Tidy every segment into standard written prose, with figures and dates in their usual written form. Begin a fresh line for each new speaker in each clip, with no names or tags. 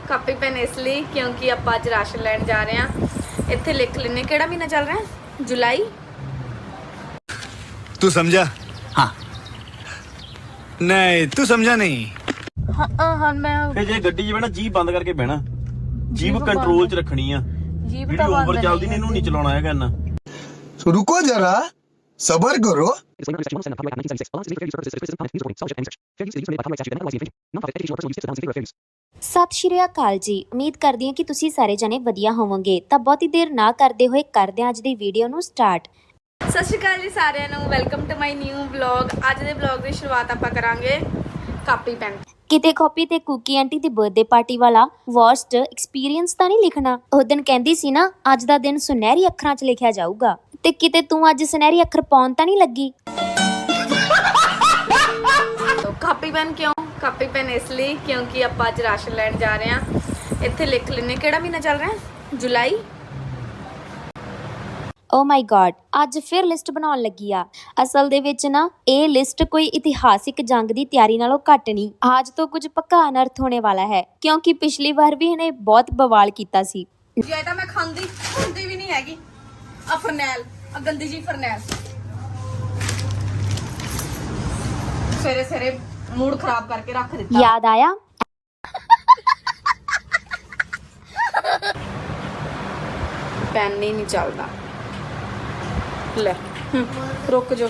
Copy pen ਇਸ ਲਈ ਕਿਉਂਕਿ ਆਪਾਂ ਅੱਜ ਰਾਸ਼ਨ ਲੈਣ ਜਾ ਰਹੇ ਹਾਂ। ਇੱਥੇ ਲਿਖ ਲੈਣੇ ਕਿਹੜਾ ਮਹੀਨਾ ਚੱਲ ਰਿਹਾ ਹੈ, ਜੁਲਾਈ।
तू समझा? हाँ नहीं तू समझा नहीं।
ਹਾਂ ਮੈਂ
ਫੇ ਜੇ ਗੱਡੀ 'ਚ ਬਹਿਣਾ ਜੀਭ ਬੰਦ ਕਰਕੇ ਬਹਿਣਾ, ਜੀਭ ਕੰਟਰੋਲ 'ਚ ਰੱਖਣੀ ਆ।
ਜੀਭ
ਜਿਹੜੀ
ਤਾਂ ਬੰਦ
ਓਵਰ ਚੱਲਦੀ ਨੇ ਇਹਨੂੰ ਨਹੀਂ ਚਲਾਉਣਾ ਹੈਗਾ ਇੰਨਾ।
रुको जरा सबर करो।
ਸਤਿ ਸ਼੍ਰੀ ਅਕਾਲ ਜੀ। ਉਮੀਦ ਕਰਦੀ ਹਾਂ ਕਿ ਤੁਸੀਂ ਸਾਰੇ ਜਣੇ ਵਧੀਆ ਹੋਵੋਗੇ। ਤਾਂ ਬਹੁਤੀ ਦੇਰ ਨਾ ਕਰਦੇ ਹੋਏ ਕਰਦੇ ਹਾਂ ਅੱਜ ਦੀ ਵੀਡੀਓ ਨੂੰ ਸਟਾਰਟ।
ਸਤਿ ਸ਼੍ਰੀ ਅਕਾਲ ਜੀ ਸਾਰਿਆਂ ਨੂੰ, welcome to my new vlog. ਅੱਜ ਦੇ ਵਲੌਗ ਦੀ ਸ਼ੁਰੂਆਤ ਆਪਾਂ ਕਰਾਂਗੇ ਕਾਪੀ ਪੈਨ।
ਕਿਤੇ ਕਾਪੀ ਤੇ ਕੁਕੀ ਆਂਟੀ ਦੀ ਬਰਥਡੇ ਪਾਰਟੀ ਵਾਲਾ ਵਰਸਟ ਐਕਸਪੀਰੀਅੰਸ ਤਾਂ ਨਹੀਂ ਲਿਖਣਾ। ਉਹ ਦਿਨ ਕਹਿੰਦੀ ਸੀ ਨਾ ਅੱਜ ਦਾ ਦਿਨ ਸੁਨਹਿਰੀ ਅੱਖਰਾਂ 'ਚ ਲਿਖਿਆ ਜਾਊਗਾ, ਤੇ ਕਿਤੇ ਤੂੰ ਅੱਜ ਸੁਨਹਿਰੀ ਅੱਖਰ ਪਾਉਣ ਤਾਂ ਨਹੀਂ ਲੱਗੀ।
ਕਾਪੀ ਪੈਨ ਕਿਉਂ? ਕਾਪੀ ਪੈਨ ਇਸ ਲਈ ਕਿਉਂਕਿ ਆਪਾਂ ਅੱਜ ਰਾਸ਼ਨ ਲੈਣ ਜਾ ਰਹੇ ਹਾਂ। ਇੱਥੇ ਲਿਖ ਲੈਣੇ ਕਿਹੜਾ ਮਹੀਨਾ ਚੱਲ ਰਿਹਾ ਹੈ, ਜੁਲਾਈ।
ਓ ਮਾਈ ਗॉड, ਅੱਜ ਫਿਰ ਲਿਸਟ ਬਣਾਉਣ ਲੱਗੀ ਆ। ਅਸਲ ਦੇ ਵਿੱਚ ਨਾ ਇਹ ਲਿਸਟ ਕੋਈ ਇਤਿਹਾਸਿਕ ਜੰਗ ਦੀ ਤਿਆਰੀ ਨਾਲੋਂ ਘੱਟ ਨਹੀਂ। ਅੱਜ ਤੋਂ ਕੁਝ ਪੱਕਾ ਅਨਰਥ ਹੋਣੇ ਵਾਲਾ ਹੈ, ਕਿਉਂਕਿ ਪਿਛਲੀ ਵਾਰ ਵੀ ਇਹਨੇ ਬਹੁਤ ਬਵਾਲ ਕੀਤਾ ਸੀ।
ਜੇ ਤਾਂ ਮੈਂ ਖਾਂਦੀ ਵੀ ਨਹੀਂ ਹੈਗੀ। ਆ ਫਰਨੈਲ, ਆ ਗੰਦੀ ਜੀ ਫਰਨੈਲ, ਸਵੇਰੇ ਸਵੇਰੇ ਮੂਡ ਖਰਾਬ ਕਰਕੇ ਰੱਖ ਦਿੱਤਾ।
ਯਾਦ ਆਇਆ?
ਪੈਨ ਹੀ ਨਹੀਂ ਚੱਲਦਾ। ਲੈ ਰੁਕ ਜੋ।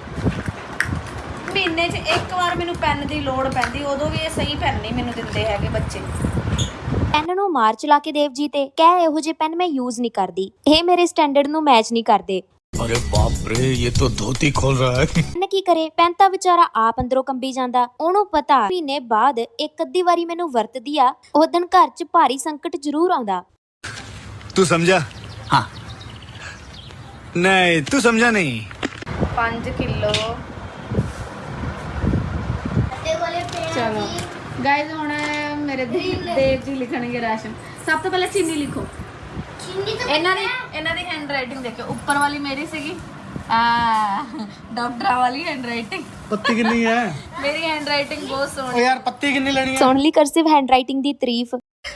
ਮਹੀਨੇ 'ਚ ਇੱਕ ਵਾਰ ਮੈਨੂੰ ਪੈਨ ਦੀ ਲੋੜ ਪੈਂਦੀ, ਉਦੋਂ ਵੀ ਇਹ ਸਹੀ ਪੈਨ ਨਹੀਂ ਮੈਨੂੰ ਦਿੰਦੇ ਹੈਗੇ ਬੱਚੇ।
ਪੈਨ ਨੂੰ ਮਾਰ ਚਲਾ ਕੇ ਦੇਵ ਜੀ ਤੇ ਕਹਿ ਇਹੋ ਜਿਹੇ ਪੈਨ ਮੈਂ ਯੂਜ਼ ਨਹੀਂ ਕਰਦੀ, ਇਹ ਮੇਰੇ ਸਟੈਂਡਰਡ ਨੂੰ ਮੈਚ ਨਹੀਂ ਕਰਦੇ।
अरे बाप रे ये तो धोती खोल रहा है।
ਪੈਨ ਕੀ ਕਰੇ? ਪੈਨ ਤਾਂ ਵਿਚਾਰਾ ਆਪ ਅੰਦਰੋਂ ਕੰਬੀ ਜਾਂਦਾ। ਉਹਨੂੰ ਪਤਾ ਮਹੀਨੇ ਬਾਅਦ ਇੱਕ ਅੱਧੀ ਵਾਰੀ ਮੈਨੂੰ ਵਰਤਦੀ ਆ, ਉਹ ਦਿਨ ਘਰ 'ਚ ਭਾਰੀ ਸੰਕਟ ਜ਼ਰੂਰ ਆਉਂਦਾ।
तू समझा? हाँ नहीं तू समझा नहीं।
5 ਕਿਲੋ। ਚਲੋ ਗਾਇਜ਼, ਹੁਣ ਮੇਰੇ ਦੇਵ ਜੀ ਲਿਖਣਗੇ ਰਾਸ਼ਨ। ਸਭ ਤੋਂ ਪਹਿਲਾਂ ਚੀਨੀ ਲਿਖੋ। ਇਹਨਾਂ ਦੀ ਹੈਂਡ ਰਾਈਟਿੰਗ ਦੇਖੋ। ਉੱਪਰ ਵਾਲੀ ਮੇਰੀ ਸੀਗੀ, ਡਾਕਟਰਾਂ ਵਾਲੀ ਹੈਂਡ ਰਾਈਟਿੰਗ।
पत्ती कितनी है?
ਮੇਰੀ ਹੈਂਡ ਰਾਈਟਿੰਗ ਬਹੁਤ ਸੋਹਣੀ।
यार पत्ती कितनी लेनी है?
ਸੁਣ ਲਈ ਕਰਸਿਵ ਹੈਂਡ ਰਾਈਟਿੰਗ ਦੀ ਤਾਰੀਫ।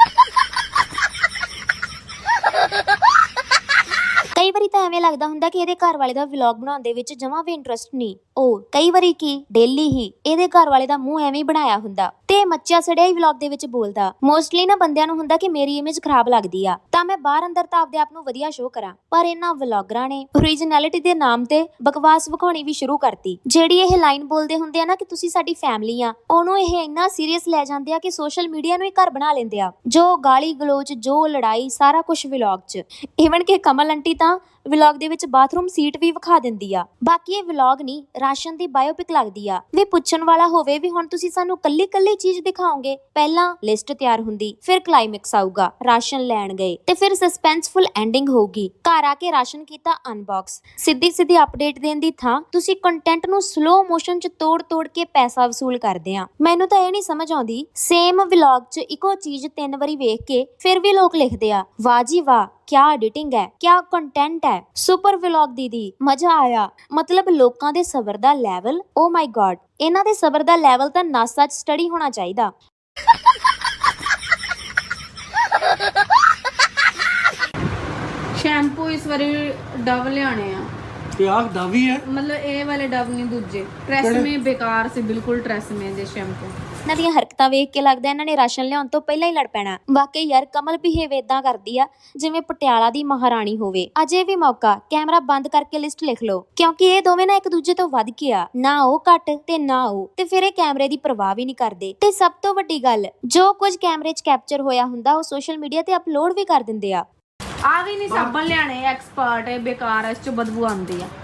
ਕਈ ਵਾਰੀ ਤਾਂ ਐਵੇਂ ਲੱਗਦਾ ਹੁੰਦਾ ਕਿ ਇਹਦੇ ਘਰ ਵਾਲੇ ਦਾ ਵਲੌਗ ਬਣਾਉਣ ਦੇ ਵਿੱਚ ਜਮਾਂ ਵੀ ਇੰਟਰਸਟ ਨਹੀਂ। ਉਹ ਕਈ ਵਾਰੀ ਕੀ ਡੇਲੀ ਹੀ ਇਹਦੇ ਘਰ ਵਾਲੇ ਦਾ ਮੂੰਹ ਐਵੇਂ ਹੀ ਬਣਾਇਆ ਹੁੰਦਾ ਤੇ ਮੱਚਿਆ ਸੜਿਆ ਹੀ ਵਲੌਗ ਦੇ ਵਿੱਚ ਬੋਲਦਾ। ਮੋਸਟਲੀ ਨਾ ਬੰਦਿਆਂ ਨੂੰ ਹੁੰਦਾ ਕਿ ਮੇਰੀ ਇਮੇਜ ਖਰਾਬ ਲੱਗਦੀ ਆ ਤਾਂ ਮੈਂ ਬਾਹਰ ਅੰਦਰ ਤਾਂ ਆਪਦੇ ਆਪ ਨੂੰ ਵਧੀਆ ਸ਼ੋਅ ਕਰਾਂ, ਪਰ ਇਹਨਾਂ ਵਲੌਗਰਾਂ ਨੇ ਓਰੀਜਨੈਲਿਟੀ ਦੇ ਨਾਮ ਤੇ ਬਕਵਾਸ ਵਿਖਾਉਣੀ ਵੀ ਸ਼ੁਰੂ ਕਰਤੀ। ਜਿਹੜੀ ਇਹ ਲਾਈਨ ਬੋਲਦੇ ਹੁੰਦੇ ਆ ਨਾ ਕਿ ਤੁਸੀਂ ਸਾਡੀ ਫੈਮਿਲੀ ਆ, ਉਹਨੂੰ ਇਹ ਇੰਨਾ ਸੀਰੀਅਸ ਲੈ ਜਾਂਦੇ ਆ ਕਿ ਸੋਸ਼ਲ ਮੀਡੀਆ ਨੂੰ ਹੀ ਘਰ ਬਣਾ ਲੈਂਦੇ ਆ। ਜੋ ਗਾਲੀ ਗਲੋਚ, ਜੋ ਲੜਾਈ, ਸਾਰਾ ਕੁਝ ਵਲੌਗ 'ਚ। ਈਵਨ ਕਿ ਕਮਲ ਆਂਟੀ ਤਾਂ ਵਲੌਗ ਦੇ ਵਿੱਚ ਬਾਥਰੂਮ ਸੀਟ ਵੀ ਵਿਖਾ ਦਿੰਦੀ ਆ। ਬਾਕੀ ਇਹ ਵਲੌਗ ਨਹੀਂ, ਰਾਸ਼ਨ ਦੀ ਬਾਇਓਪਿਕ ਲੱਗਦੀ ਆ। ਵੀ ਪੁੱਛਣ ਵਾਲਾ ਹੋਵੇ ਵੀ ਹੁਣ ਤੁਸੀਂ ਸਾਨੂੰ ਕੱਲੀ ਚੀਜ਼ ਦਿਖਾਓਗੇ? ਪਹਿਲਾਂ ਲਿਸਟ ਤਿਆਰ ਹੁੰਦੀ, ਫਿਰ ਕਲਾਈਮੈਕਸ ਆਊਗਾ, ਰਾਸ਼ਨ ਲੈਣ ਗਏ, ਤੇ ਫਿਰ ਸਸਪੈਂਸਫੁਲ ਐਂਡਿੰਗ ਹੋਊਗੀ। ਘਰ ਆ ਕੇ ਰਾਸ਼ਨ ਕੀਤਾ ਅਨਬਾਕਸ। ਸਿੱਧੀ ਅਪਡੇਟ ਦੇਣ ਦੀ ਥਾਂ ਤੁਸੀਂ ਕੰਟੈਂਟ ਨੂੰ ਸਲੋ ਮੋਸ਼ਨ 'ਚ ਤੋੜ ਕੇ ਪੈਸਾ ਵਸੂਲ ਕਰਦੇ ਆ। ਮੈਨੂੰ ਤਾਂ ਇਹ ਨਹੀਂ ਸਮਝ ਆਉਂਦੀ, ਸੇਮ ਵਲੌਗ 'ਚ ਇੱਕੋ ਚੀਜ਼ 3 ਵਾਰੀ ਵੇਖ ਕੇ ਫਿਰ ਵੀ ਲੋਕ ਲਿਖਦੇ ਆ ਵਾਹ ਜੀ ਵਾਹ, ਕਿਆ ਐਡੀਟਿੰਗ ਹੈ, ਕਿਆ ਕੰਟੈਂਟ ਹੈ, ਸੁਪਰ ਵਲੌਗ ਦੀਦੀ, ਮਜ਼ਾ ਆਇਆ। ਮਤਲਬ ਲੋਕਾਂ ਦੇ ਸਬਰ ਦਾ ਲੈਵਲ, ਓ ਮਾਈ ਗॉड, ਇਹਨਾਂ ਦੇ ਸਬਰ ਦਾ ਲੈਵਲ ਤਾਂ ਨਾਸਾ 'ਚ ਸਟੱਡੀ ਹੋਣਾ ਚਾਹੀਦਾ।
ਸ਼ੈਂਪੂ ਇਸ ਵਾਰੀ ਡਵ ਲਿਆਣੇ ਆ।
ਤੇ ਆਹ ਡਾਵੀ ਹੈ।
ਮਤਲਬ ਇਹ ਵਾਲੇ ਡਵ ਨਹੀਂ, ਦੂਜੇ ਟ੍ਰੈਸਮੇ ਬੇਕਾਰ ਸੀ ਬਿਲਕੁਲ। ਟ੍ਰੈਸਮੇ ਦੇ ਸ਼ੈਂਪੂ।
ਇਹਨਾਂ ਦੀਆਂ ਹਰਕਤਾਂ ਵੇਖ ਕੇ ਲੱਗਦਾ ਇਹਨਾਂ ਨੇ ਰਾਸ਼ਨ ਲਿਆਉਣ ਤੋਂ ਪਹਿਲਾਂ ਹੀ ਲੜ ਪੈਣਾ। ਵਾਕਈ ਯਾਰ, ਕਮਲ ਬਿਹੇਵ ਏਦਾਂ ਕਰਦੀ ਆ ਜਿਵੇਂ ਪਟਿਆਲਾ ਦੀ ਮਹਾਰਾਣੀ ਹੋਵੇ। ਅਜੇ ਵੀ ਮੌਕਾ, ਕੈਮਰਾ ਬੰਦ ਕਰਕੇ ਲਿਸਟ ਲਿਖ ਲਓ, ਕਿਉਂਕਿ ਇਹ ਦੋਵੇਂ ਨਾ ਇੱਕ ਦੂਜੇ ਤੋਂ ਵੱਧ ਕੇ ਆ। ਨਾ ਉਹ ਘੱਟ ਤੇ ਨਾ ਉਹ, ਤੇ ਫਿਰ ਇਹ ਕੈਮਰੇ ਦੀ ਪਰਵਾਹ ਵੀ ਨਹੀਂ ਕਰਦੇ। ਤੇ ਸਭ ਤੋਂ ਵੱਡੀ ਗੱਲ, ਜੋ ਕੁਝ ਕੈਮਰੇ 'ਚ ਕੈਪਚਰ ਹੋਇਆ ਹੁੰਦਾ ਉਹ ਸੋਸ਼ਲ ਮੀਡੀਆ ਤੇ ਅਪਲੋਡ ਵੀ ਕਰ ਦਿੰਦੇ ਆ।
ਆ ਵੀ ਨਹੀਂ ਸਾਬਣ ਲਿਆਣੇ, ਐਕਸਪਰਟ ਹੈ, ਬੇਕਾਰ ਹੈ, ਇਸ 'ਚ ਬਦਬੂ ਆਉਂਦੀ ਆ।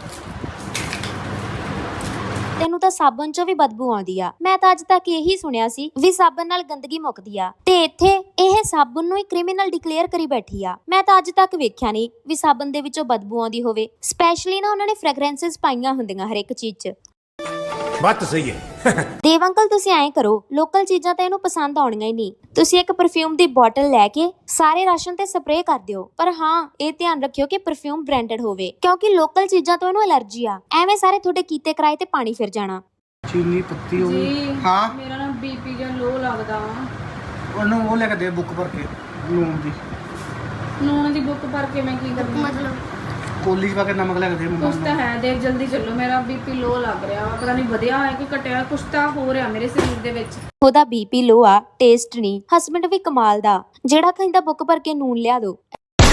ਤੈਨੂੰ ਤਾਂ ਸਾਬਣ 'ਚੋਂ ਵੀ ਬਦਬੂ ਆਉਂਦੀ ਆ। ਮੈਂ ਤਾਂ ਅੱਜ ਤੱਕ ਇਹੀ ਸੁਣਿਆ ਸੀ ਵੀ ਸਾਬਣ ਨਾਲ ਗੰਦਗੀ ਮੁੱਕਦੀ ਆ, ਤੇ ਇੱਥੇ ਇਹ ਸਾਬਣ ਨੂੰ ਹੀ ਕ੍ਰਿਮੀਨਲ ਡਿਕਲੇਅਰ ਕਰੀ ਬੈਠੀ ਆ। ਮੈਂ ਤਾਂ ਅੱਜ ਤੱਕ ਵੇਖਿਆ ਨਹੀਂ ਵੀ ਸਾਬਣ ਦੇ ਵਿੱਚੋਂ ਬਦਬੂ ਆਉਂਦੀ ਹੋਵੇ। ਸਪੈਸ਼ਲੀ ਨਾ ਉਹਨਾਂ ਨੇ ਫ੍ਰੈਗਰੈਂਸਸ ਪਾਈਆਂ ਹੁੰਦੀਆਂ ਹਰ ਇੱਕ ਚੀਜ਼ 'ਚ।
बात तो सही है।
ਦੇਵ ਅੰਕਲ, ਤੁਸੀਂ ਐਂ ਕਰੋ, ਲੋਕਲ ਚੀਜ਼ਾਂ ਤਾਂ ਇਹਨੂੰ ਪਸੰਦ ਆਉਣੀਆਂ ਹੀ ਨਹੀਂ। ਤੁਸੀਂ ਇੱਕ ਪਰਫਿਊਮ ਦੀ ਬੋਟਲ ਲੈ ਕੇ ਸਾਰੇ ਰਾਸ਼ਨ ਤੇ ਸਪਰੇਅ ਕਰ ਦਿਓ, ਪਰ ਹਾਂ ਇਹ ਧਿਆਨ ਰੱਖਿਓ ਕਿ ਪਰਫਿਊਮ ਬ੍ਰਾਂਡਡ ਹੋਵੇ, ਕਿਉਂਕਿ ਲੋਕਲ ਚੀਜ਼ਾਂ ਤੋਂ ਇਹਨੂੰ ਐਲਰਜੀ ਆ। ਐਵੇਂ ਸਾਰੇ ਤੁਹਾਡੇ ਕੀਤੇ ਕਿਰਾਏ ਤੇ ਪਾਣੀ ਫਿਰ ਜਾਣਾ।
चीनी पत्ती हो गई।
ਜੀ
हाँ
ਮੇਰਾ ਨਾ ਬੀਪੀ ਜਿਹਾ ਲੋ ਲੱਗਦਾ ਵਾ।
ਉਹਨੂੰ ਉਹ ਲੈ ਕੇ ਦੇ ਬੁੱਕ ਭਰ ਕੇ
ਨੂਣ ਦੀ ਬੁੱਕ ਭਰ ਕੇ ਮੈਂ ਕੀ ਕਰੂੰ?
ਕੋਲੀ ਚ ਪਾ ਕੇ ਨਮਕ ਲੈ ਕੇ ਦੇ
ਕੁਛ
ਮੰਮਾ
ਤਾਂ ਹੈ ਦੇਖ, ਜਲਦੀ ਚੱਲੋ, ਮੇਰਾ ਬੀਪੀ ਲੋ ਲੱਗ ਰਿਹਾ ਵਾ, ਪਤਾ ਨਹੀਂ ਵਧਿਆ ਹੋਇਆ ਕਿ ਘਟਿਆ, ਕੁਛ ਤਾਂ ਹੋ ਰਿਹਾ ਮੇਰੇ ਸਰੀਰ ਦੇ ਵਿੱਚ।
ਉਹਦਾ ਬੀਪੀ ਲੋ ਆ, ਟੇਸਟ ਨਹੀਂ। ਹਸਬੰਡ ਵੀ ਕਮਾਲ ਦਾ, ਜਿਹੜਾ ਕਹਿੰਦਾ ਬੁੱਕ ਭਰ ਕੇ ਨੂਨ ਲਿਆ ਦੋ।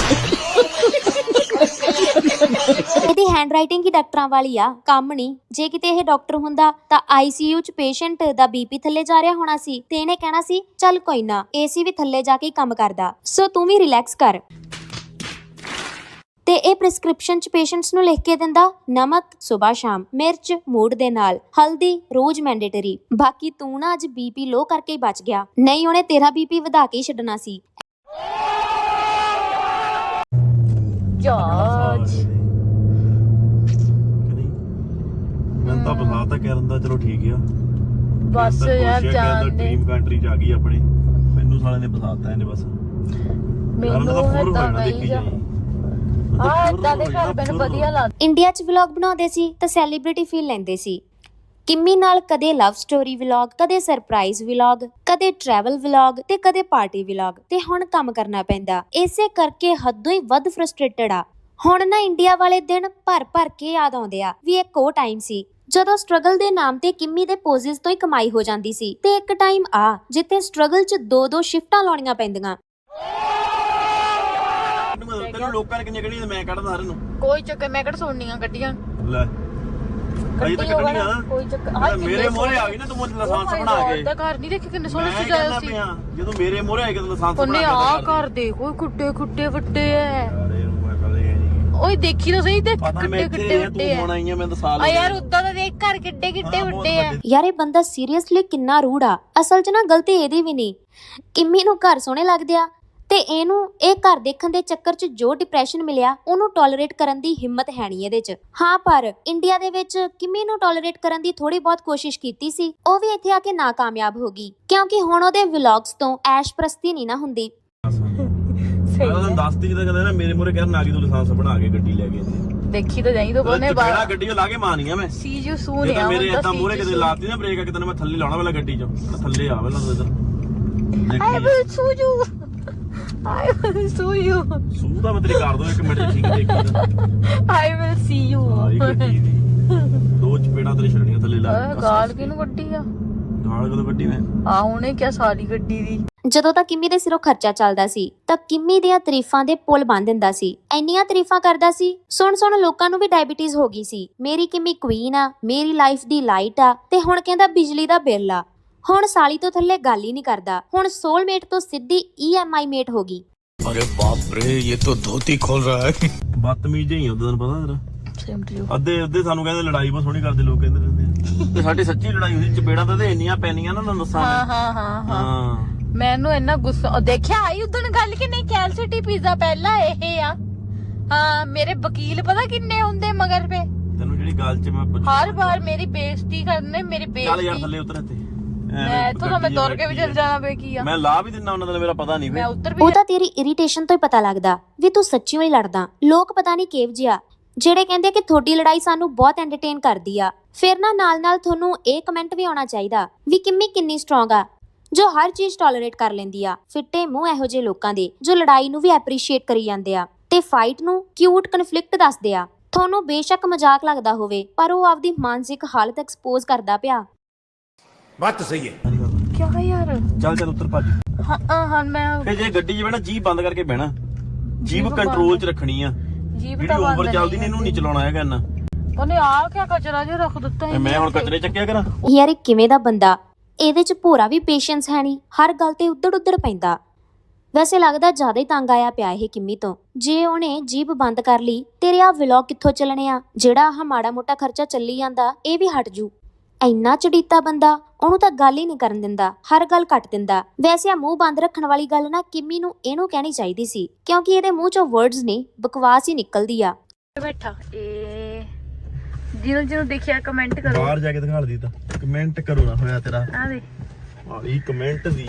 ਇਹਦੀ ਹੈਂਡਰਾਈਟਿੰਗ ਹੀ ਡਾਕਟਰਾਂ ਵਾਲੀ ਆ, ਕੰਮ ਨਹੀਂ। ਜੇ ਕਿਤੇ ਇਹ ਡਾਕਟਰ ਹੁੰਦਾ ਤਾਂ ਆਈਸੀਯੂ ਚ ਪੇਸ਼ੈਂਟ ਦਾ ਬੀਪੀ ਥੱਲੇ ਜਾ ਰਿਹਾ ਹੋਣਾ ਸੀ ਤੇ ਇਹਨੇ ਕਹਿਣਾ ਸੀ ਚੱਲ ਕੋਈ ਨਾ, ਏਸੀ ਵੀ ਥੱਲੇ ਜਾ ਕੇ ਹੀ ਕੰਮ ਕਰਦਾ, ਸੋ ਤੂੰ ਵੀ ਰਿਲੈਕਸ ਕਰ। ਤੇ ਇਹ ਪ੍ਰਿਸਕ੍ਰਿਪਸ਼ਨ ਚ ਪੇਸ਼ੈਂਟਸ ਨੂੰ ਲਿਖ ਕੇ ਦਿੰਦਾ, ਨਮਕ ਸਵੇਰ ਸ਼ਾਮ, ਮਿਰਚ ਮੂਡ ਦੇ ਨਾਲ, ਹਲਦੀ ਰੋਜ਼ ਮੈਂਡੇਟਰੀ। ਬਾਕੀ ਤੂੰ ਨਾ ਅੱਜ ਬੀਪੀ ਲੋ ਕਰਕੇ ਹੀ ਬਚ ਗਿਆ, ਨਹੀਂ ਉਹਨੇ ਤੇਰਾ ਬੀਪੀ ਵਧਾ ਕੇ ਹੀ ਛੱਡਣਾ ਸੀ।
ਜੱਜ ਮੈਂ ਤਾਂ ਬਸਾਤਾ ਕਰਨ ਦਾ, ਚਲੋ ਠੀਕ ਆ
ਬਸ ਯਾਰ ਜਾਣ ਦੇ,
ਡ੍ਰੀਮ ਕੰਟਰੀ ਚ ਆ ਗਈ ਆਪਣੇ। ਮੈਨੂੰ ਸਾਲੇ ਨੇ ਬਸਾਤਾ ਇਹਨੇ ਬਸ।
ਮੈਨੂੰ ਤਾਂ ਨਹੀਂ ਆ ਇਦਾਂ ਦੇ ਘਰ ਮੈਨੂੰ ਵਧੀਆ ਲੱਗਦਾ।
ਇੰਡੀਆ 'ਚ ਵਲੌਗ ਬਣਾਉਂਦੇ ਸੀ ਤਾਂ ਸੈਲੀਬ੍ਰਿਟੀ ਫੀਲ ਲੈਂਦੇ ਸੀ। ਕਿੰਮੀ ਨਾਲ ਕਦੇ ਲਵ ਸਟੋਰੀ ਵਲੌਗ, ਕਦੇ ਸਰਪ੍ਰਾਈਜ਼ ਵਲੌਗ, ਕਦੇ ਟਰੈਵਲ ਵਲੌਗ ਤੇ ਕਦੇ ਪਾਰਟੀ ਵਲੌਗ, ਤੇ ਹੁਣ ਕੰਮ ਕਰਨਾ ਪੈਂਦਾ। ਇਸੇ ਕਰਕੇ ਹੱਦੋਂ ਹੀ ਵੱਧ ਫਰਸਟ੍ਰੇਟਡ ਆ। ਹੁਣ ਨਾ ਇੰਡੀਆ ਵਾਲੇ ਦਿਨ ਭਰ ਕੇ ਯਾਦ ਆਉਂਦੇ ਆ ਵੀ ਇੱਕ ਉਹ ਟਾਈਮ ਸੀ ਜਦੋਂ ਸਟਰਗਲ ਦੇ ਨਾਮ ਤੇ ਕਿੰਮੀ ਦੇ ਪੋਜ਼ਿਸ ਤੋਂ ਹੀ ਕਮਾਈ ਹੋ ਜਾਂਦੀ ਸੀ, ਤੇ ਇੱਕ ਟਾਈਮ ਆ ਜਿੱਥੇ ਸਟਰਗਲ 'ਚ 2-2 ਸ਼ਿਫਟਾਂ ਲਾਉਣੀਆਂ ਪੈਂਦੀਆਂ।
ਤੈਨੂੰ ਲੋਕਾਂ ਨੇ ਕਿੰਨੀਆਂ ਕੱਢੀਆਂ, ਮੈਂ ਕੱਢਦਾ ਸਾਰਿਆਂ ਨੂੰ।
ਕੋਈ ਚੱਕਰ, ਮੈਂ ਕਿਹੜਾ ਸੁਣਨੀਆਂ ਗੱਡੀਆਂ
ਲੈ ਅਜੇ ਤਾਂ ਕੱਢਣੀ ਆ ਨਾ।
ਕੋਈ ਚੱਕਰ।
ਮੇਰੇ ਮੋਹਰੇ ਆ ਗਈ ਨਾ ਤੂੰ ਮੈਨੂੰ ਲਾਇਸੈਂਸ ਬਣਾ ਕੇ।
ਉਹਦਾ ਘਰ ਨਹੀਂ ਦੇਖੀ ਕਿੰਨੇ ਸੋਹਣੇ
ਮੈਂ
ਸਜਾਇਆ
ਕਹਿੰਦਾ
ਸੀ।
ਪਿਆ ਜਦੋਂ ਮੇਰੇ ਮੋਹਰੇ ਆ ਕੇ ਲਾਇਸੈਂਸ
ਉਹਨੇ
ਬਣਾ
ਆ
ਕੇ
ਕਰ ਦੇ, ਕੋਈ ਖੁੱਡੇ ਵੱਡੇ ਐ।
ਅਰੇ ਮੈਂ ਕਦੇ ਨਹੀਂ
ਓਏ ਦੇਖੀ ਤਾਂ ਸਹੀ ਤੇ
ਪਤਾ ਮੈਂ
ਕਿੱਡੇ
ਇੱਥੇ
ਵੱਡੇ
ਤੂੰ ਹੁਣ ਆਈ ਆ, ਮੈਂ ਤਾਂ ਸਾਲ
ਆ ਯਾਰ ਉਦਾਂ ਦਾ ਦੇਖ ਘਰ ਕਿੱਡੇ ਵੱਡੇ ਆ।
ਯਾਰ ਇਹ ਬੰਦਾ ਸੀਰੀਅਸਲੀ ਕਿੰਨਾ ਰੂਡ ਆ। ਅਸਲ 'ਚ ਨਾ ਗਲਤੀ ਇਹਦੀ ਵੀ ਨਹੀਂ, ਕਿੰਮੀ ਨੂੰ ਘਰ ਸੋਹਣੇ ਲੱਗਦੇ ਆ ਤੇ ਇਹਨੂੰ ਇਹ ਘਰ ਦੇਖਣ ਦੇ ਚੱਕਰ 'ਚ ਜੋ ਡਿਪਰੈਸ਼ਨ ਮਿਲਿਆ ਉਹਨੂੰ ਟੋਲਰੇਟ ਕਰਨ ਦੀ ਹਿੰਮਤ ਹੈ ਨਹੀਂ ਇਹਦੇ 'ਚ। ਹਾਂ ਪਰ ਇੰਡੀਆ ਦੇ ਵਿੱਚ ਕਿੰਮੀ ਨੂੰ ਟੋਲਰੇਟ ਕਰਨ ਦੀ ਥੋੜੀ ਬਹੁਤ ਕੋਸ਼ਿਸ਼ ਕੀਤੀ ਸੀ, ਉਹ ਵੀ ਇੱਥੇ ਆ ਕੇ ਨਾਕਾਮਯਾਬ ਹੋ ਗਈ, ਕਿਉਂਕਿ ਹੁਣ ਉਹਦੇ ਵਲੌਗਸ ਤੋਂ ਐਸ਼ ਪ੍ਰਸਤੀ ਨਹੀਂ ਨਾ ਹੁੰਦੀ।
ਮੈਂ ਦੱਸਦੀ ਜਦੋਂ ਕਹਿੰਦੇ ਨਾ ਮੇਰੇ ਮੋਹਰੇ ਕਹਿਣ ਆ ਗਈ ਤੂੰ ਲਾਇਸੈਂਸ ਬਣਾ ਕੇ ਗੱਡੀ ਲੈ ਕੇ
ਦੇਖੀ ਤਾਂ ਜਾਈ ਤੋਂ ਕੋਨੇ
ਬਾਹਰ ਗੱਡੀ ਲਾ ਕੇ ਮਾਰਨੀ ਆ ਮੈਂ।
ਸੀ ਯੂ ਸੂਨ ਆ
ਮੇਰੇ ਇਦਾਂ ਮੋਹਰੇ ਕਿਤੇ ਲਾਤੀ ਨਾ ਬ੍ਰੇਕ, ਕਿਤੇ ਮੈਂ ਥੱਲੇ ਲਾਉਣਾ ਪਹਿਲਾਂ ਗੱਡੀ 'ਚ, ਥੱਲੇ ਆ ਪਹਿਲਾਂ ਤੂੰ ਇਧਰ
I will sue you, I will sue you.
Sue ਤਾਂ ਮੈਂ ਤੇਰੀ ਕਰ ਦੋ, ਇੱਕ ਮਿੰਟ ਠੀਕ ਦੇਖੀ
ਆਈ ਵਿਲ ਸੀ ਯੂ।
ਆਈ ਗੱਡੀ ਦੀ ਦੋ ਚਪੇੜਾਂ ਤੇਰੇ ਛੜਨੀਆਂ ਥੱਲੇ ਲਾ ਕੇ।
ਗਾਲ ਕਿਹਨੂੰ ਕੱਢੀ ਆ?
ਗਾਲ ਕਦੋਂ ਕੱਢੀ ਮੈਂ?
ਆ ਹੁਣੇ ਕਿਆ ਸਾਰੀ ਗੱਡੀ ਦੀ।
ਜਦੋਂ ਤਾਂ ਕਿੰਮੀ ਦੇ ਸਿਰੋਂ ਖਰਚਾ ਚੱਲਦਾ ਸੀ ਤਾਂ ਕਿੰਮੀ ਦੀਆਂ ਤਾਰੀਫਾਂ ਦੇ ਪੁੱਲ ਬੰਨ ਦਿੰਦਾ ਸੀ। ਇੰਨੀਆਂ ਤਾਰੀਫਾਂ ਕਰਦਾ ਸੀ, ਸੁਣ ਲੋਕਾਂ ਨੂੰ ਵੀ ਡਾਇਬੀਟੀਜ਼ ਹੋ ਗਈ ਸੀ। ਮੇਰੀ ਕਿੰਮੀ ਕੁਈਨ ਆ, ਮੇਰੀ ਲਾਈਫ ਦੀ ਲਾਈਟ ਆ, ਤੇ ਹੁਣ ਕਹਿੰਦਾ ਬਿਜਲੀ ਦਾ ਬਿੱਲ ਆ। ਹੁਣ ਸਾਲੀ ਤੋਂ ਥੱਲੇ ਗੱਲ ਹੀ ਨਹੀਂ ਕਰਦਾ, ਹੁਣ ਸੋਲਮੇਟ ਤੋਂ ਸਿੱਧੀ EMI ਮੇਟ ਹੋ ਗਈ।
अरे बाप रे ये तो धोती खोल रहा है।
ਬਦਤਮੀਜ਼ ਹੀ ਉਦੋਂ ਪਤਾ ਤੇਰਾ।
Same to you.
ਅੱਧੇ ਸਾਨੂੰ ਕਹਿੰਦੇ ਲੜਾਈ ਬਹੁਤ ਸੋਹਣੀ ਕਰਦੇ ਲੋਕ, ਕਹਿੰਦੇ ਰਹਿੰਦੇ ਤੇ ਸਾਡੀ ਸੱਚੀ ਲੜਾਈ ਹੁੰਦੀ, ਚਪੇੜਾਂ ਤਾਂ ਇੰਨੀਆਂ ਪੈਣੀਆਂ ਨਾ ਤੁਹਾਨੂੰ ਦੱਸਾਂ।
ਹਾਂ ਮੈਨੂੰ ਇੰਨਾ ਗੁੱਸਾ ਦੇਖਿਆ ਆਈ ਉਦੋਂ ਗੱਲ ਕਿ ਨਹੀਂ, ਕੈਲ ਸਿਟੀ ਪੀਜ਼ਾ ਪਹਿਲਾਂ ਇਹ ਆ। ਹਾਂ ਮੇਰੇ ਵਕੀਲ ਪਤਾ ਕਿੰਨੇ ਹੁੰਦੇ ਮਗਰ ਪੇ।
ਤੈਨੂੰ ਜਿਹੜੀ ਗੱਲ 'ਚ ਮੈਂ
ਹਰ ਵਾਰ ਮੇਰੀ ਬੇਇੱਜ਼ਤੀ ਕਰਨੇ, ਮੇਰੀ ਬੇਇੱਜ਼ਤੀ।
ਚੱਲ ਯਾਰ ਥੱਲੇ ਉਤਰ ਇੱਥੇ,
ਮੈਂ ਇੱਥੋਂ ਤਾਂ ਮੈਂ ਤੁਰ ਕੇ ਵੀ ਚੱਲ ਜਾਣਾ ਪਏ ਕੀ ਆ।
ਮੈਂ ਲਾ ਵੀ ਦਿੰਦਾ ਉਹਨਾਂ ਦਾ, ਮੇਰਾ ਪਤਾ ਨਹੀਂ।
ਮੈਂ ਉੱਤਰ ਵੀ
ਉਹ ਤਾਂ ਤੇਰੀ ਇਰੀਟੇਸ਼ਨ ਤੋਂ ਹੀ ਪਤਾ ਲੱਗਦਾ ਵੀ ਤੂੰ ਸੱਚੀਓ ਹੀ ਲੜਦਾ। ਲੋਕ ਪਤਾ ਨਹੀਂ ਕਿਹੋ ਜਿਹਾ ਜਿਹੜੇ ਕਹਿੰਦੇ ਕਿ ਤੁਹਾਡੀ ਲੜਾਈ ਸਾਨੂੰ ਬਹੁਤ ਐਂਟਰਟੇਨ ਕਰਦੀ ਆ, ਫਿਰ ਨਾ ਨਾਲ ਤੁਹਾਨੂੰ ਇਹ ਕਮੈਂਟ ਵੀ ਆਉਣਾ ਚਾਹੀਦਾ ਵੀ ਕਿੰਮੀ ਕਿੰਨੀ ਸਟਰੋਂਗ ਆ ਜੋ ਹਰ ਚੀਜ਼ ਟੋਲਰੇਟ ਕਰ ਲੈਂਦੀ ਆ। ਫਿੱਟੇ ਮੂੰਹ ਇਹੋ ਜਿਹੇ ਲੋਕਾਂ ਦੇ ਜੋ ਲੜਾਈ ਨੂੰ ਵੀ ਐਪਰੀਸ਼ੀਏਟ ਕਰੀ ਜਾਂਦੇ ਆ ਤੇ ਫਾਈਟ ਨੂੰ ਕਿਊਟ ਕਨਫਲਿਕਟ ਦੱਸਦੇ ਆ। ਤੁਹਾਨੂੰ ਬੇਸ਼ੱਕ ਮਜ਼ਾਕ ਲੱਗਦਾ ਹੋਵੇ ਪਰ ਉਹ ਆਪਦੀ ਮਾਨਸਿਕ ਹਾਲਤ ਐਕਸਪੋਜ਼ ਕਰਦਾ ਪਿਆ।
बात तो सही है।
ਕਿਆ ਯਾਰ
ਚੱਲ ਉੱਤਰ ਭੱਜ।
ਹਾਂ ਮੈਂ
ਫੇ ਜੇ ਗੱਡੀ 'ਚ ਬਹਿਣਾ ਜੀਭ ਬੰਦ ਕਰਕੇ ਬਹਿਣਾ, ਜੀਭ ਕੰਟਰੋਲ 'ਚ ਰੱਖਣੀ ਆ।
ਜੀਭ
ਜਿਹੜੀ
ਤਾਂ ਬੰਦ
ਓਵਰ ਚੱਲਦੀ ਨੇ ਇਹਨੂੰ ਨਹੀਂ ਚਲਾਉਣਾ ਹੈਗਾ ਇੰਨਾ।
ਉਹਨੇ ਆ ਕਿਆ ਕਚਰਾ ਜਿਹਾ ਰੱਖ ਦਿੱਤਾ ਹੈ।
ਮੈਂ ਹੁਣ ਕਚਰੇ ਚੱਕਿਆ ਕਰਾਂ?
ਯਾਰ ਇਹ ਕਿਵੇਂ ਦਾ ਬੰਦਾ, ਇਹਦੇ 'ਚ ਭੋਰਾ ਵੀ ਪੇਸ਼ੈਂਸ ਹੈ ਨਹੀਂ, ਹਰ ਗੱਲ ਤੇ ਉੱਧੜ ਪੈਂਦਾ। ਵੈਸੇ ਲੱਗਦਾ ਜ਼ਿਆਦਾ ਹੀ ਤੰਗ ਆਇਆ ਪਿਆ ਇਹ ਕਿੰਮੀ ਤੋਂ। ਜੇ ਉਹਨੇ ਜੀਭ ਬੰਦ ਕਰ ਲਈ ਤੇਰੇ ਆ ਵਲੌਗ ਕਿੱਥੋਂ ਚੱਲਣੇ ਆ? ਜਿਹੜਾ ਆਹ ਮਾੜਾ ਮੋਟਾ ਖਰਚਾ ਚੱਲੀ ਜਾਂਦਾ ਇਹ ਵੀ ਹਟ ਜੂ। ਇੰਨਾ ਚੜੀਤਾ ਬੰਦਾ, ਉਹਨੂੰ ਤਾਂ ਗੱਲ ਹੀ ਨਹੀਂ ਕਰਨ ਦਿੰਦਾ, ਹਰ ਗੱਲ ਕੱਟ ਦਿੰਦਾ। ਵੈਸੇ ਆ ਮੂੰਹ ਬੰਦ ਰੱਖਣ ਵਾਲੀ ਗੱਲ ਨਾ ਕਿੰਮੀ ਨੂੰ ਇਹਨੂੰ ਕਹਿਣੀ ਚਾਹੀਦੀ ਸੀ, ਕਿਉਂਕਿ ਇਹਦੇ ਮੂੰਹ ਚੋਂ ਵਰਡਸ ਨਹੀਂ ਬਕਵਾਸ ਹੀ ਨਿਕਲਦੀ ਆ।
ਬੈਠਾ ਇਹ ਜਿਹਨੂੰ ਦੇਖਿਆ ਕਮੈਂਟ ਕਰੋ।
ਬਾਹਰ ਜਾ ਕੇ ਦਿਖਾ ਦੀ ਤਾਂ ਕਮੈਂਟ ਕਰੋ ਨਾ ਹੋਇਆ ਤੇਰਾ।
ਆ ਦੇ
ਇਹ ਕਮੈਂਟ ਦੀ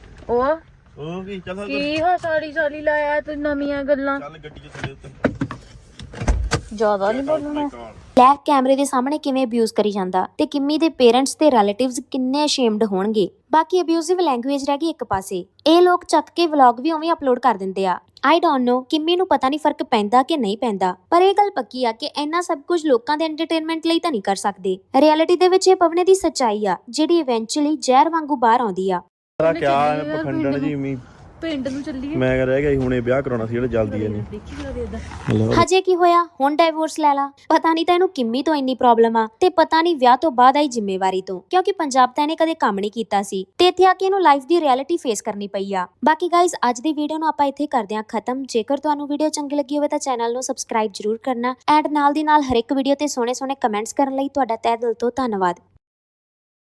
ਉਹ
ਕੀ ਚੱਲ
ਕੀ ਸਾਲੀ ਲਾਇਆ ਤੂੰ ਨਵੀਆਂ ਗੱਲਾਂ।
ਚੱਲ ਗੱਡੀ 'ਚ ਥੱਲੇ ਉੱਤਰ।
ਜ਼ਿਆਦਾ ਨਹੀਂ ਬੋਲਣਾ।
ਲੈ ਕੈਮਰੇ ਦੇ ਸਾਹਮਣੇ ਕਿਵੇਂ ਅਬਿਊਜ਼ ਕਰੀ ਜਾਂਦਾ ਤੇ ਕਿੰਮੀ ਦੇ ਪੇਰੈਂਟਸ ਤੇ ਰਿਲੇਟਿਵਸ ਕਿੰਨੇ ਅਸ਼ੇਮਡ ਹੋਣਗੇ। ਬਾਕੀ ਅਬਿਊਜ਼ਿਵ ਲੈਂਗੁਏਜ ਰਹਿ ਗਈ ਇੱਕ ਪਾਸੇ, ਇਹ ਲੋਕ ਚੱਕ ਕੇ ਵਲੌਗ ਵੀ ਉਵੇਂ ਅਪਲੋਡ ਕਰ ਦਿੰਦੇ ਆ। ਆਈ ਡੋਂਟ ਨੋ ਕਿੰਮੀ ਨੂੰ ਪਤਾ ਨਹੀਂ ਫਰਕ ਪੈਂਦਾ ਕਿ ਨਹੀਂ ਪੈਂਦਾ, ਪਰ ਇਹ ਗੱਲ ਪੱਕੀ ਆ ਕਿ ਇੰਨਾ ਸਭ ਕੁਝ ਲੋਕਾਂ ਦੇ ਐਂਟਰਟੇਨਮੈਂਟ ਲਈ ਤਾਂ ਨਹੀਂ ਕਰ ਸਕਦੇ। ਰਿਐਲਿਟੀ ਦੇ ਵਿੱਚ ਇਹ ਪਵਨੇ ਦੀ ਸੱਚਾਈ ਆ ਜਿਹੜੀ ਇਵੈਂਚੁਅਲੀ ਜ਼ਹਿਰ ਵਾਂਗੂ ਬਾਹਰ ਆਉਂਦੀ ਆ।
ਕਿਆ ਪਖੰਡਣ ਜੀ ਮੀ
ਪਿੰਡ ਨੂੰ ਚੱਲੀਏ।
ਮੈਂ ਰਹਿ ਗਿਆ ਸੀ ਹੁਣੇ ਵਿਆਹ ਕਰਾਉਣਾ ਸੀ ਜਿਹੜਾ ਜਲਦੀ ਹੈ ਨਹੀਂ।
ਹਜੇ ਕੀ ਹੋਇਆ, ਹੁਣ ਡਾਈਵੋਰਸ ਲੈ ਲਾ। ਪਤਾ ਨਹੀਂ ਤਾਂ ਇਹਨੂੰ ਕਿੰਮੀ ਤੋਂ ਇੰਨੀ ਪ੍ਰੋਬਲਮ ਆ ਤੇ ਪਤਾ ਨਹੀਂ ਵਿਆਹ ਤੋਂ ਬਾਅਦ ਆਈ ਜ਼ਿੰਮੇਵਾਰੀ ਤੋਂ, ਕਿਉਂਕਿ ਪੰਜਾਬ ਤਾਂ ਇਹਨੇ ਕਦੇ ਕੰਮ ਨਹੀਂ ਕੀਤਾ ਸੀ ਤੇ ਇੱਥੇ ਆ ਕੇ ਇਹਨੂੰ ਲਾਈਫ ਦੀ ਰਿਐਲਿਟੀ ਫੇਸ ਕਰਨੀ ਪਈ ਆ। ਬਾਕੀ ਗਾਇਜ਼ ਅੱਜ ਦੀ ਵੀਡੀਓ ਨੂੰ ਆਪਾਂ ਇੱਥੇ ਕਰਦੇ ਹਾਂ ਖਤਮ। ਜੇਕਰ ਤੁਹਾਨੂੰ ਵੀਡੀਓ ਚੰਗੀ ਲੱਗੀ ਹੋਵੇ ਤਾਂ ਚੈਨਲ ਨੂੰ ਸਬਸਕ੍ਰਾਈਬ ਜ਼ਰੂਰ ਕਰਨਾ ਐਂਡ ਨਾਲ ਦੀ ਨਾਲ ਹਰ ਇੱਕ ਵੀਡੀਓ ਤੇ ਸੋਹਣੇ ਕਮੈਂਟਸ ਕਰਨ ਲਈ ਤੁਹਾਡਾ ਤਹਿ ਦਿਲ ਤੋਂ ਧੰਨਵਾਦ।